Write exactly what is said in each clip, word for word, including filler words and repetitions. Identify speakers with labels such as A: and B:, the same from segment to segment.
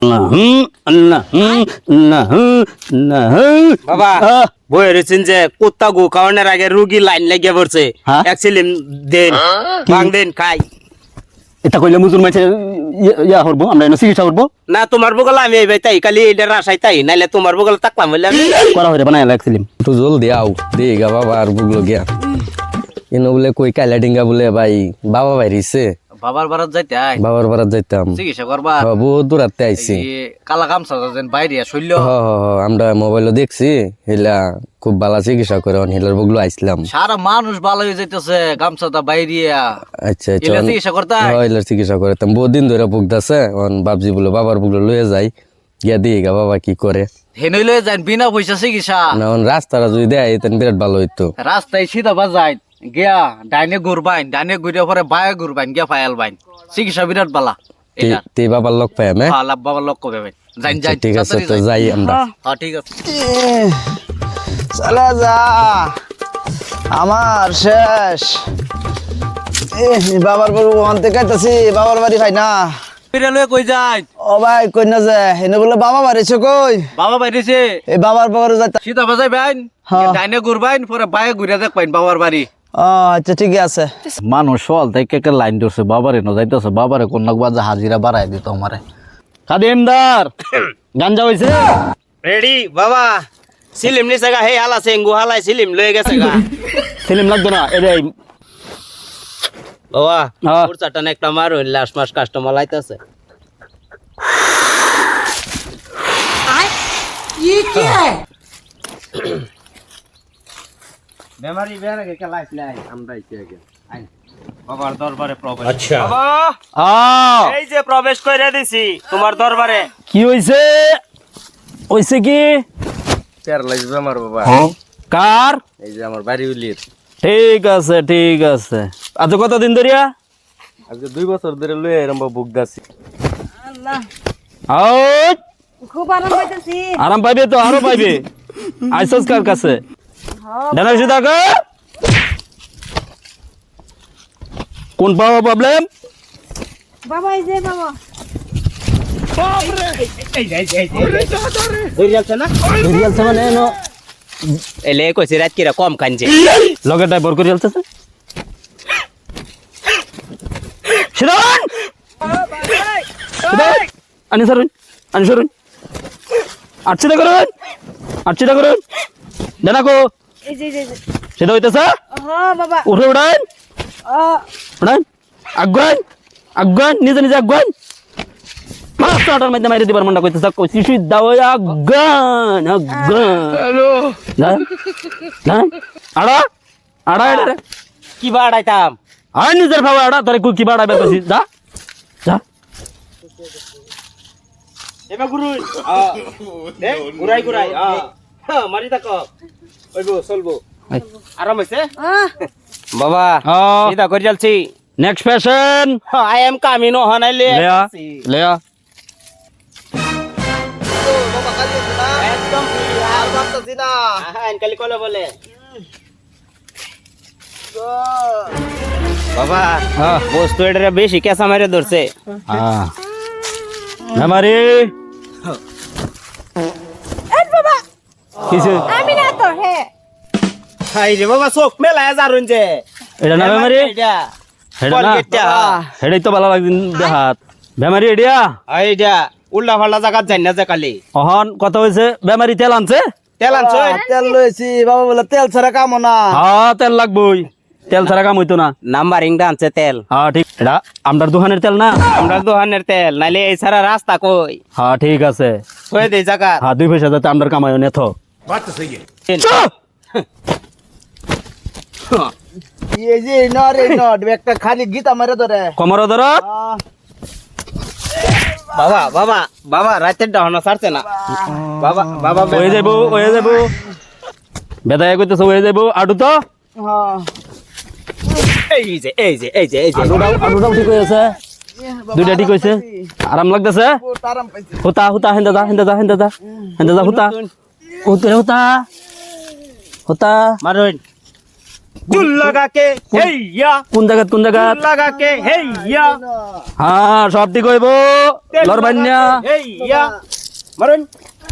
A: বাবা বই রয়েছেন যে কুত্তা গু খাওয়ানোর আগে রুগী লাইন লেগে পড়ছে এক সিলিম দেন ভাঙ দেন খাই
B: এটা কইলে মুজুর মাইছে ইয়া করবো আমরা এনে চিকিৎসা করবো
A: না তোমার বগল আমি এই তাই খালি এটা রাসাই তাই নাইলে তোমার বগল তাকলাম বললে আমি
B: করা হইরে বানাই লাগছিলাম
C: একটু জলদি আও দেগা বাবা আর বুগলো গিয়া ইনো বলে কই কাইলা ডিঙ্গা বলে ভাই বাবা বাইরিছে
D: বাবার বারাত যাইতে আই
C: বাবার বারাত যাইতাম
D: চিকিৎসা করবা
C: হ্যাঁ, বহুত দূরাতে আইছি
D: এই কালা গামছা যেন বাইরে শৈল্য
C: হ হ হ, আমরা মোবাইলে দেখছি হেলা খুব ভালো চিকিৎসা করে হেলার বুগলো আইছিলাম
D: সারা মানুষ ভালো হয়ে যাইতেছে গামছাটা বাইরে
C: আচ্ছা আচ্ছা
D: এলা চিকিৎসা করতে আই?
C: হ্যাঁ এলার চিকিৎসা করতাম বহুত দিন ধরে ভুগতাছে অন বাপজি বলে বাবার বুগলো লয়ে যাই গিয়া দিগা বাবা কি করে
D: হেনইলে যান বিনা পয়সা চিকিৎসা
C: না অন রাস্তাটা যদি দেয় তেন বিরাট ভালো হইতো
D: রাস্তায় সিধা বাজাই গিয়া ডাইনে ঘুরবাইন ডাইনে ঘুরে পরে বায়ে ঘুরবাইন গিয়া ফায়াল বাইন চিকিৎসা বিরাট বালা এটা
C: তে বাবার লোক পাই আমি
D: হ্যাঁ লাভ বাবার লক্ষ্য পাবেন যাইন যাইন
C: ঠিক আছে তো যাই আমরা
D: হ্যাঁ ঠিক আছে
E: চলে যা আমার শেষ এ বাবার বাড়ি ওখান থেকে আইতাছি বাবার বাড়ি ভাই না
D: বিরালে কই যাই
E: ও ভাই কই না যে হেনে বলে বাবা বাড়িছে কই
D: বাবা বাইরেছে
E: এই বাবার বাবার যাইতা
D: সিধা বাজাই বাইন
E: হ্যাঁ।
D: ডাইনে ঘুরবাইন পরে বায়ে ঘুরে দেখ পাইন বাবার বাড়ি
E: ও আচ্ছা ঠিক আছে
D: মানুষ সল থেকে একটা লাইন ধরছে বাবারে ন যাইতেছে বাবারে কোন বাজে হাজিরা বাড়াই দিত আমারে
B: খাদিমদার গাঞ্জা হইছে
A: রেডি বাবা সিলিম নিছে গা হে হালা সেঙ্গু হালাই সিলিম লয়ে গেছে গা
B: ফিল্ম লাগতো না এরে
A: বাবা
B: হ্যাঁ।
A: ওর চাটানে একটা মারো লাস্ট মাস কাস্টমার লাইতাছে বেমারি বেরে কে লাইফ নাই আমরা কি আগে আই বাবার দরবারে প্রবেশ আচ্ছা বাবা
B: আ
A: এই যে প্রবেশ কইরা দিছি তোমার দরবারে
B: কি হইছে হইছে কি
A: তের লাগবে আমার বাবা
B: কার
A: এই যে আমার বাড়ি উলির
B: ঠিক আছে ঠিক আছে আজ কতদিন ধরিয়া
A: আজকে দুই বছর ধরে লয়ে এরম বুক দাছি
B: আউট
F: খুব আরাম পাইতেছি
B: আরাম পাইবে তো আরো পাইবে আইসস কার কাছে ডানা সুদা কা কোন পাওয়া প্রবলেম
F: বাবা এই যে বাবা
A: ধরে যাচ্ছে না
B: রিয়াল সামান এনো
A: এলে কইছে রাত কিরা কম কানছে
B: লগে ড্রাইভার করে চলতেছে শিরন শিরন আনি সরুন আনি সরুন আটছিটা করুন আটছিটা করুন ডানা কো
F: এই যে এই যে, এই যে
B: সেটা হইতেছে
F: হ্যাঁ বাবা
B: উঠে উঠান
F: ও
B: উঠান আগুন আগুন নিজে নিজে আগুন মাছ আটার মধ্যে মাইরে দিবার মনটা কইতেছে কই শিশু দাও আগুন আগুন হ্যালো না না আড়া আড়া এড়ে
A: কি বাড়াইতাম
B: আর নিজের ভাবা আড়া তোরে কুকি বাড়াবে কইছি যা যা
A: এবা গুরুই এ গুরাই গুরাই আ হ্যাঁ মারি তাকো ওইবো চলবো আরাম হইছে
F: আহ
A: বাবা
B: হ্যাঁ।
A: সিধা করে চলছি
B: next patient
A: I am coming ও হানাইলে
B: লেয়া লেয়া
A: একদম আর ভাবতাছি না হ্যাঁ কালি কলে বলে বাবা
B: হ্যাঁ
A: বস্তু এটা বেশি কেসা মারে ধরছে
B: হ্যাঁ আমারে
F: এই বাবা
B: কিছু
F: আমি না তো হে
A: হাই রে বাবা চোখ মেলায় যারুন যে
B: এটা না বেমারি
A: এটা
B: হেডা না
A: কলগেটটা
B: হেডাই তো ভালো লাগদিন দেহাত বেমারি এডিয়া
A: এইটা উল্টা ফাল্টা জায়গা যাই না যে কালি
B: অহন কত হয়েছে বেমারি তেল আনছে
A: তেল আনছো
E: তেল লইছি বাবা বলে তেল ছাড়া কাম না
B: হ্যাঁ তেল লাগবই তেল ছাড়া কাম হইতো না
A: নাম্বারিং দা আনছে তেল
B: হ্যাঁ ঠিক এটা আমরার দোকানের তেল না
A: আমরা দোকানের তেল নাইলে এই সারা রাস্তা কই
B: হ্যাঁ ঠিক আছে
A: কই দেই জায়গা
B: হ্যাঁ দুই পয়সা যাতে আমরার কামাই নেথ
E: এই যে নট এই নট একটা খালি গীতা মারে ধরে
B: কমর ধর
A: বাবা বাবা বাবা রাতের ডাহনা ছাড়ছে না বাবা বাবা
B: হয়ে যাব হয়ে যাব বেদায় কইতেছে হয়ে যাব আডু তো
E: হ্যাঁ
A: এই যে এই যে এই যে এই যে
B: আডুটাও আডুটাও ঠিক হয়েছে দুইটা ঠিক হয়েছে আরাম লাগতেছে
E: বহুত আরাম পাইছি
B: হুতা হুতা হেন্দা যা হেন্দা যা হেন্দা যা হেন্দা যা হুতা হুতা হুতা হুতা
A: মারুন চুল লাগা কে হেইয়া
B: কোন জায়গা কোন জায়গা
A: চুল লাগা কে হেইয়া
B: হ্যাঁ সব ঠিক হইব লড়বান্যা
A: হেইয়া মারুন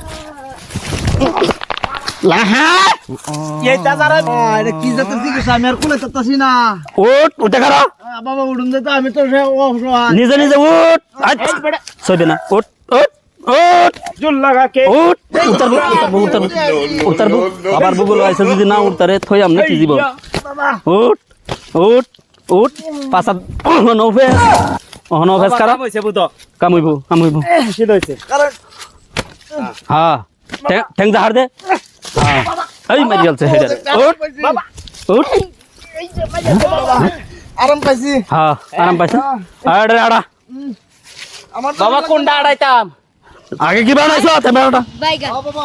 B: লাহা
A: এই দাদারা
E: এটা কি জাতের চিকিৎসা আমি আর কোলে চাচ্ছি না
B: উঠ উঠে খারা
E: আ, বাবা উঠুন দে তো আমি তো সে অসহায়।
B: নিজে নিজে উঠ আচ্ছা সইবে না উঠ উঠ উঠ
A: চুল লাগা কে
B: উঠ উত্তর উত্তর উত্তর আবার বুগুলো আইসা যদি না উঠতারে থই আমনে কি জীবন উঠ উঠ উঠ পাঁচা নৌফেস নৌফেস কারা
A: হইছে বুতো
B: কামুইব কামুইব
A: কি হইছে
E: কারণ
B: হ্যাঁ ঠ্যাং জাহার দে হ্যাঁ এই মারি গেলছে হেডে উঠ উঠ
E: আরাম পাইছি
B: হ্যাঁ আরাম পাইছ আড়ে আড়া
E: আমার তো
A: বাবা কোনটা আড়াইতাম
B: আগে কি বানাইছো তেমেটা
E: আ, বাবা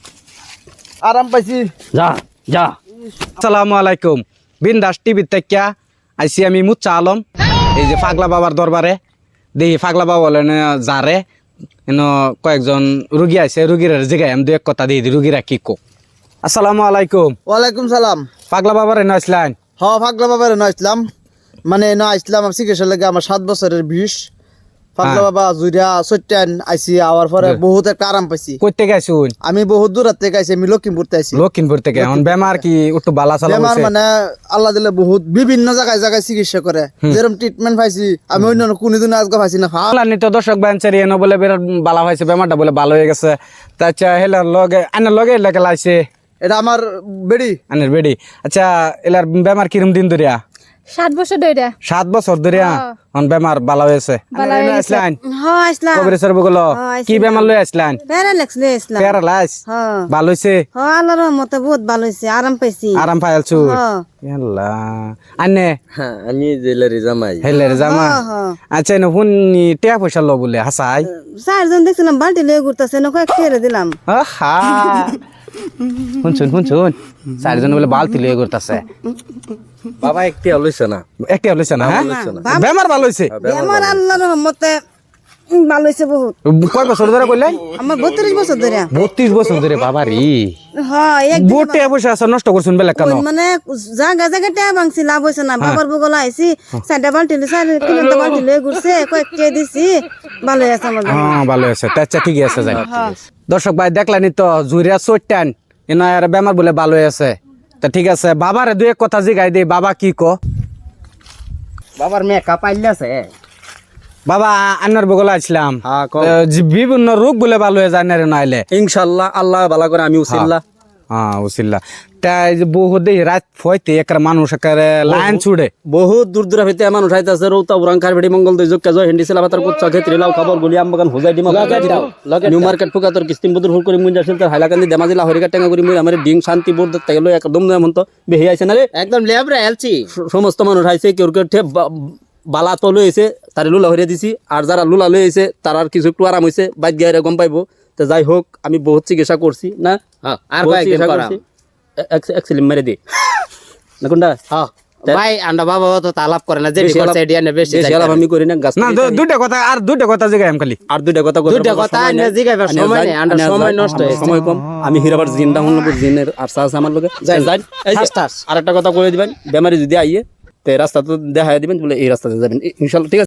E: আরাম পাইছি
B: যা যা
C: আসসালামু আলাইকুম বিন্দাস টিভি থেকে আইসি আমি মুচ্ছা আলম এই যে পাগলা বাবার দরবারে দেখি পাগলা বাবা বলেন যারে এন কয়েকজন রুগী আছে রুগীর জিগাই আমি দু এক কথা দিয়ে দিই রুগীরা কি কো আসসালামু আলাইকুম
E: ওয়ালাইকুম সালাম
C: পাগলা বাবার এনে আসলেন
E: হ ফাগলা বাবার ন আসলাম মানে ন আসলাম আমি চিকিৎসা লাগে আমার সাত বছরের বিষ ফাগলা
C: হ্যাঁ।
E: বাবা জুরিয়া সত্যান আইসি আওয়ার পরে বহুত একটা আরাম পাইছি
C: কই থেকে আইসুন
E: আমি বহুত দূর থেকে আইছি আমি লক্ষ্মীপুর থেকে আইছি
C: লক্ষিমপুর থেকে এখন বেমার কি একটু বালা চালা
E: বেমার
C: হইছে?
E: মানে আল্লাহ দিলে বহুত বিভিন্ন জায়গায় জায়গায় চিকিৎসা করে যেরকম ট্রিটমেন্ট পাইছি আমি অন্য কোনদিন আজকে পাইছি না
C: বাংলা নিত দর্শক বেঞ্চারি এনে বলে বিরাট বালা হয়েছে বেমারটা বলে ভালো হয়ে গেছে তা আচ্ছা হেলার লগে আনের লগে লেগে লাইছে
E: এটা আমার বেড়ি
C: আনের বেডি আচ্ছা এলার বেমার কিরম দিন ধরিয়া
F: সাত বছর ধরে
C: সাত বছর ধরিয়া অন বেমার ভালো হয়েছে আসলেন
G: হ্যাঁ আসলাম
C: কবিরেশ্বর বগুলো
G: হ্যাঁ,
C: কি বেমার লই আসলেন
G: প্যারালাক্স লই আসলাম
C: প্যারালাইজ
G: হ্যাঁ
C: ভালো হয়েছে
G: হ্যাঁ আল্লাহর রহমতে বহুত ভালো হয়েছে আরাম পাইছি
C: আরাম পাইলছু
G: হ্যাঁ
C: ইয়াল্লা আনে
H: আমি জেলারি জামাই
C: হেলের জামা
G: হ্যাঁ, হ্যাঁ।
C: আচ্ছা এনে হুনি টিয়া পয়সা লো বলে হাসাই
G: চারজন দেখছিলাম বালতি লয়ে ঘুরতেছে না কয়েক টেরে দিলাম
C: আহা শুনছুন শুনছুন চারিজন বলে বালতি লয়ে করতেছে
H: বাবা একটি লইছে না
C: একটা লইছে না হ্যাঁ
G: বাবা-
C: বেমার ভালো হয়েছে
G: আমার আল্লাহর রহমতে উম, ভালো হয়েছে বহুত
C: কয় বছর ধরে কইলেন
G: আমার বত্রিশ বছর ধরে
C: বত্রিশ বছর ধরে বাবা রে
G: হ্যাঁ এক
C: বহুত টাকা পয়সা আছে নষ্ট করছুন বেলা কেন
G: ওই মানে জায়গা জায়গা টেয়া ভাঙছি লাভ হয়েছে না বাবার বগলা আইছি চারটা বালতি লই চার কিলোটা বালতি লয়ে ঘুরছে কয়েক টেয়া দিছি ভালো আছে আমার জন্য।
C: হ্যাঁ ভালো আছে তা আচ্ছা ঠিকই আছে যাই দর্শক ভাই দেখলেনি তো জুরিয়া চোটটান এনার বেমার বলে ভালো হয়ে আছে তা ঠিক আছে বাবারে দুই এক কথা জিগাই দে বাবা কি কো
A: বাবার মেকআপ আইলাছে
C: বাবা আন্নার বগলা আসলাম
H: হ্যাঁ, কও।
C: আহ, যে বিভিন্ন রোগ বলে ভালো হয়ে যায় না রে নাইলে
H: ইনশাআল্লাহ আল্লাহ ভালো করে আমি উসিল্লাহ
C: হ্যাঁ উসিল্লা তাই যে বহু দেই রাত ফয়তে একর মানুষ একর লাইন ছুড়ে
B: বহুত দূর দূর হইতে মানুষ আইতাছে রৌতা উরাংকার বেড়ি মঙ্গল দই যোগ কাজ হেন্ডি সেলা বাতার কুচ্চা ক্ষেত্রে লাউ খাবার গুলি আম বাগান হোজাই ডিমা নিউ মার্কেট ফুকা তোর কিস্তিম বদর হুল করে মুঞ্জা শিলতার হাইলাকান্দি দেমাজিলা হরিকা টেঙ্গা করি মুই আমার ডিং শান্তি বোর্ড থেকে লই একদম যেমন তো বেহি আইছে না রে
A: একদম লেবরা এলছি
B: স- সমস্ত মানুষ আইছে কেউ কেউ ঠে বা- বালা তো লই আইছে তারে লুলা হরিয়া দিছি আর যারা লুলা লই আইছে তার আর কিছু একটু আরাম হইছে বাইক গিয়ে গম পাইবো তো যাই হোক আমি বহুত চিকিৎসা করছি না
A: হ্যাঁ, আর
B: বহুত
A: কয়েকদিন
B: চিকিৎসা
A: করাম।
B: করছি। এ- এক এক সিলিম মেরে দি না কোনটা
A: হ্যাঁ ভাই আন্ডা বাবা তো তালাপ করে না যে
B: বেশি
A: করছে
B: আলাপ-
A: এডিয়া নে বেশি
B: বেশি আলাপ আমি করি না গাছ
C: না দু- দুইটা কথা আর দুইটা কথা জিগাই আমি খালি
B: আর দুইটা কথা কইতে
A: দুইটা
B: পারবো,
A: কথা
B: সময়
A: আইনা
B: নেই।
A: জিগাইবার
B: আইনা
A: সময়
B: যাই,
A: নেই, আন্ডা
B: আইনা
A: সময়
B: যাই,
A: নষ্ট হয়েছে।
B: সময় কম আমি হিরাবার জিনটা হল জিনের আর সাহস আমার লগে যাই যাই এই যে,
A: ঠাস ঠাস।
B: আরেকটা কথা কইে দিবেন বেমারি যদি আইয়ে তে রাস্তা তো দেখা দিবেন বলে এই রাস্তাতে যাবেন ইনশাআল্লাহ ঠিক আছে